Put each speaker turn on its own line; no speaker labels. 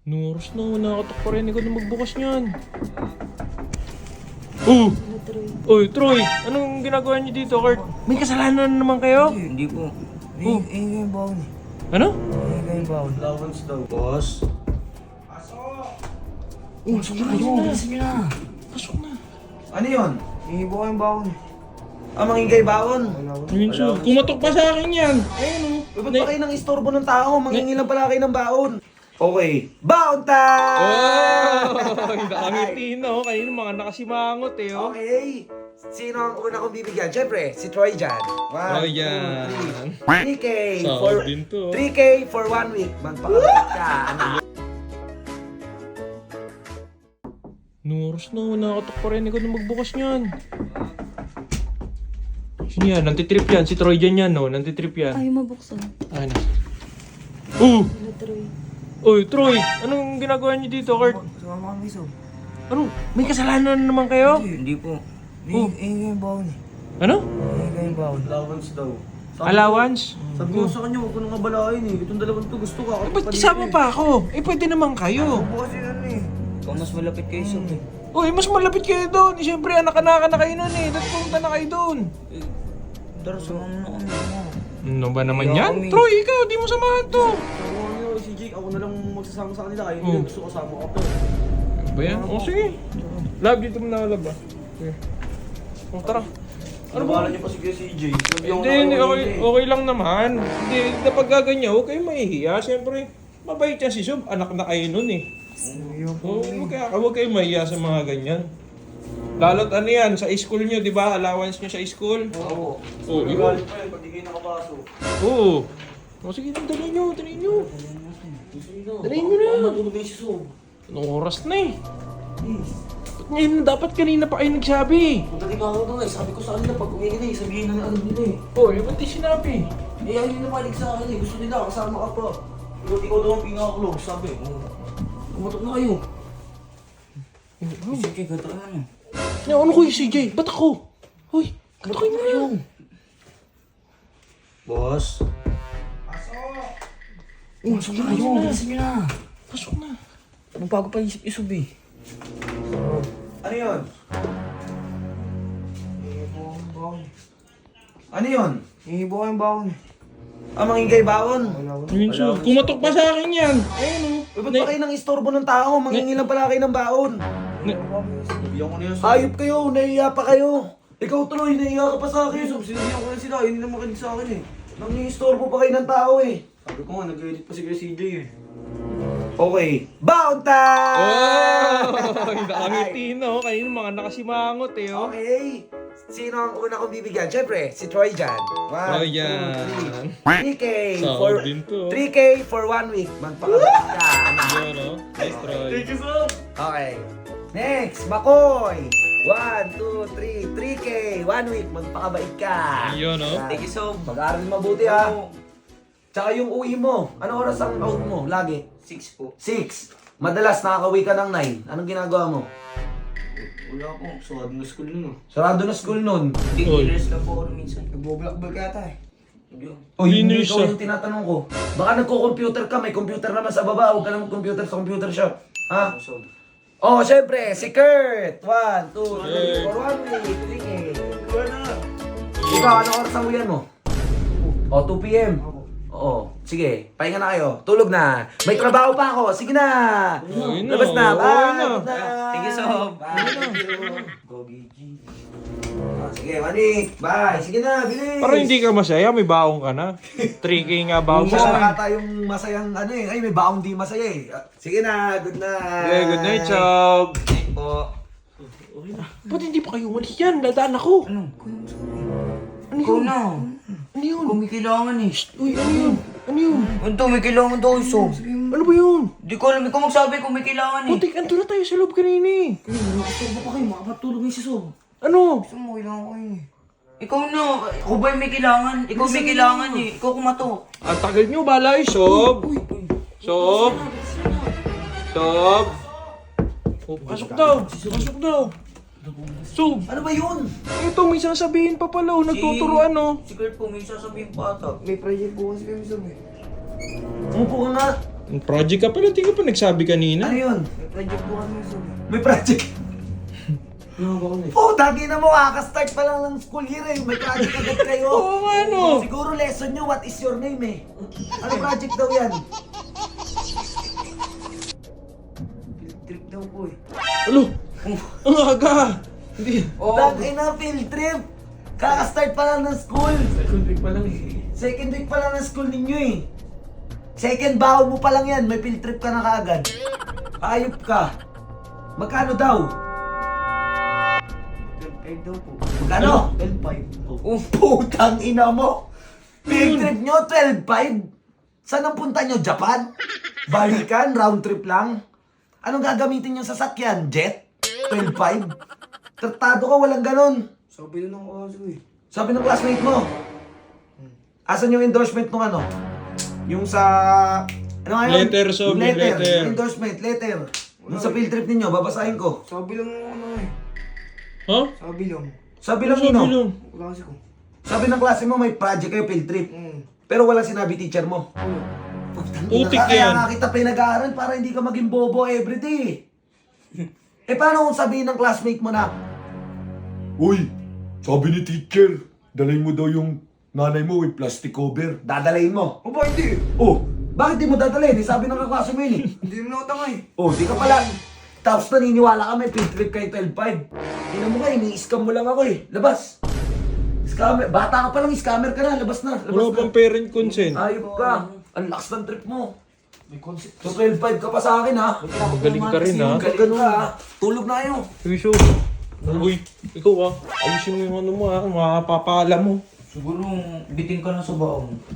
Noros na, nakatok pa rin ikaw na magbukas niyan. Oh! Oy, Troy! Anong ginagawa niyo dito, Kurt? May kasalanan naman kayo?
Hindi po.
Oh.
Yung baon eh.
Ano?
Yung baon.
Allowance daw, boss.
Pasok na kayo.
Bilisan nyo na.
Pasok na.
Ano yun?
Ihibo ko yung baon eh.
Mangingay baon.
Ayun siya. Kumatok pa sa akin yan. Ayun
Uy, ba't ba kayo nang istorbo ng tao? Mangingi lang pala kayo ng baon. Okay, baon time!
Oh! Nakangiti no. Kanina mga nakasimangot eh. Oh.
Okay. Sino ang una kong bibigyan? Siyempre, si Troy dyan.
Troy dyan.
3K for...
Sahod din to.
3K for 1 week. Magpakabalik ka, anak.
Noros na, nakatok pa rin ikaw na magbukas niyan. Sino yan? Nantitrip yan. Si Troy dyan yan, no? Nantitrip yan.
Ay, mabuksan.
Ay na. Oh!
Hello, Troy.
Oy, Troy! Anong ginagawa niyo dito, Kurt?
Sumama kami so.
Ano? May kasalanan naman kayo?
Hindi po.
Oh.
Yung baon eh.
Ano?
Yung baon.
Allowance daw.
Allowance?
Sabi ko sa kanya, huwag ko nang abalain eh. Itong dalawang to gusto ka.
Eh, ba't kasama pa ako? Eh, pwede naman kayo.
Bukas yun ano eh. Ikaw mas malapit kayo so eh.
Uy, mas malapit kayo doon. Eh, siyempre, anak-anak na kayo nun eh. Dapat pumunta na kayo doon.
Tara, sumama na kami.
Ano ba naman
Kaya
yan?
kami.
Troy, ikaw, di mo samahan to.
Sabi ko si Jake, ako na lang magsasama sa kanila. Kaya
Oh.
hindi gusto kasama ka pa.
Ano ba yan? O, sige. Lab, dito mo na lab ah. Sige. O, tara.
Ano ba? Niyo pa si CJ.
Hindi, okay lang naman. Hindi, kapag gaganyan, huwag kayong mahihiya. Siyempre, mabait yan si Sob. Anak na kayo nun eh. Oo, huwag kayong mahihiya sa mga ganyan. Lalo't ano yan, sa school nyo, di ba? Allowance nyo sa school?
Oo.
Oo,
May
yun.
galit pa yun pag di kayo nakapasok.
Oo. O sige, dali nyo. Dali nyo na.
Matulog na yung si Sob.
Anong oras na eh? Ba't ngayon, dapat kanina pa kayo nagsabi.
Kung dati ka ako doon eh, sabi ko sa kanila pag uwi na eh, sabihin na alam nila eh.
Oh, ba't di sinabi?
Eh, ayaw nila palig sa akin eh, gusto nila kasama ka pa. Ikaw daw ang pinaka-close, sabi. Kumatok na kayo.
Sige, gata ka na.
Ano ko yung CJ? Ba't ako? Hoy, katukin mo yun.
Boss?
Pasok na kayo, bilisan nyo na.
Pasok na.
Magbago pa isip-isip eh.
Ano yun? Ano yun?
Ihibo ko yung baon eh.
Mangingay baon.
Ayun siya. Kumatok pa sa akin yan. Ayun o.
Uy, ba't ba kayo nang istorbo ng tao? Mangingi lang pala kayo ng baon. Sabihan ko na yun. Hayop kayo, nahiya pa kayo. Ikaw tuloy, nahiya ka pa sa akin. Sinabihan ko na sila, hindi na makinig sa akin eh. Nangingistorbo pa kayo ng tao eh. Sabi ko nga, nag-edit pa si CJ eh. Okay, baon time!
Oh! Nakangiti no. Kanina mga nakasimangot eh oh.
Okay. Sino ang una kong bibigyan? Siyempre, si Troy dyan.
Troy dyan.
3K
Sahod
for...
din to.
3K for 1 week. Magpakabalik ka, anak.
Yun o. Nice Troy.
you, sir. Okay. Next, Makoy. 1, 2, 3. 3K. 1 week. Magpakabait ka.
Yun o.
Thank you, so. Mag-aaral mabuti, ha. Tsaka yung uwi mo. Anong oras ang out mo? Lagi?
6 po.
6. Madalas nakakauwi ka ng 9. Anong ginagawa mo?
Wala po, suwad na school nun.
Sarado na school nun.
Beginners lang po ako minsan. Nagbo-blackball ka ata eh.
O yun
Linis
ikaw
siya.
yung tinatanong ko. Baka nagko-computer ka, may computer naman sa baba. Huwag ka na mag-computer sa computer shop. Ha? Oh, syempre, si Kurt. 1, 2, 3, 4, 1 week. 3K. Ikaw, anong oras ang uwian mo? O, 2 p.m. Oo. Sige, pahinga na kayo. Tulog na. May trabaho pa ako. Sige na.
Uwi na.
Labas na.
Uwi
Bye.
na.
Good night.
Thank you, Sob.
Bye. Go, BG. Sige, Manik. Bye. Sige na, bilis.
Parang hindi ka masaya, may baong ka na. 3K nga baong
Siya
mo.
nakata yung masayang ano eh. Ay, may baong di masaya eh. Sige na, good night.
Okay, good night, Chob.
Po.
Ba't hindi pa kayo umalis yan? Dadaan ako.
Ano?
Ano
Ikaw
yun?
na.
Ano yun?
Kung may kailangan eh.
Uy, ano yun? Ano yun?
Ano may kailangan daw Sob?
Ano ba yun?
Di ko alam, ikaw magsabi kung may kailangan eh.
Putik, ando na tayo sa loob kanina eh.
Nakastorbo pa kayo, makapatulog yung si Sob.
Ano?
Gusto mo, kailangan ko eh. Ikaw na, ako ba yung may kailangan? Ikaw may kailangan eh. Ikaw kumatok.
Ang tagal nyo, balay, Sob. Sob. Sob. Oh, pasok daw. Pasok daw. Sob.
Ano ba yun?
Ito, may sasabihin pa pala. Oh. Nagtuturuan, oh.
Si Kurt po, may sasabihin pa ata. May project po kasi kami Sob eh.
Umupo ka nga.
Project ka pala, hindi ka pa nagsabi kanina.
Ano yun?
Project po kami sob.
May project.
Ano ba kami?
Oh, dagi na mo, kakastart pa lang ng school year eh. May project agad kayo.
Oo nga, no.
Siguro lesson nyo, what is your name eh. Ano project daw yan?
Field trip daw po eh.
Alo, ang aga. Hindi.
Oh,
Dagi na field trip. Kakastart pa lang ng school.
second week pa lang eh.
Second week pa lang ng school ninyo eh. Second baon mo pa lang yan, may field trip ka na kaagad. Ayop ka. Magkano daw?
12.5 daw po.
Magkano?
12.5.
Oh, putang ina mo. Field trip nyo, 12.5. Saan ang punta nyo? Japan? Balikan? Round trip lang? Anong gagamitin nyo sa sakyan? Jet? 12.5? Tratado ka, walang ganon.
Sabi na ng kaso eh.
Sabi ng classmate mo. Asan yung endorsement nung ano? Yung sa... Ano nga yun?
Letter, so,
Yung
may letter.
Yung endorsement, letter. Yung sa field trip ninyo, babasahin ko.
Sabi lang ng ano eh.
Ha?
Sabi lang.
Sabi lang
Sabi
nino.
lang.
Wala kasi ko.
Sabi ng klase mo, may project kayo, field trip. Pero walang sinabi teacher mo.
Ano?
Putik
Kaya
yan.
nga kita pinag-aaral para hindi ka maging bobo everyday. Paano kung sabihin ng classmate mo na,
Uy, sabi ni teacher, dalhin mo daw yung nanay mo with plastic cover.
dadalayin mo?
O ba hindi?
Oh, bakit di mo dadalhin? Sabi ng kaklase mo yun eh.
Hindi mo nakatanga eh.
Oh, di ka pala. Tapos naniniwala ka may field trip kayo 12.5. Tingnan mo ka, ini-scam mo lang ako eh. Labas. Scammer. Bata ka pa lang, scammer ka na. Labas na. Labas
Wala
na.
pang parent consent.
Ayop ka. Ang lakas ng trip mo.
May concept.
So 12.5 ka pa sa akin ha.
Magaling ka rin, ha?
Galing ka ha. Tulog na kayo.
Uy, Uy, ikaw ayusin mo yung ano mo, makapapala mo.
Siguro bitin ka na sa baong.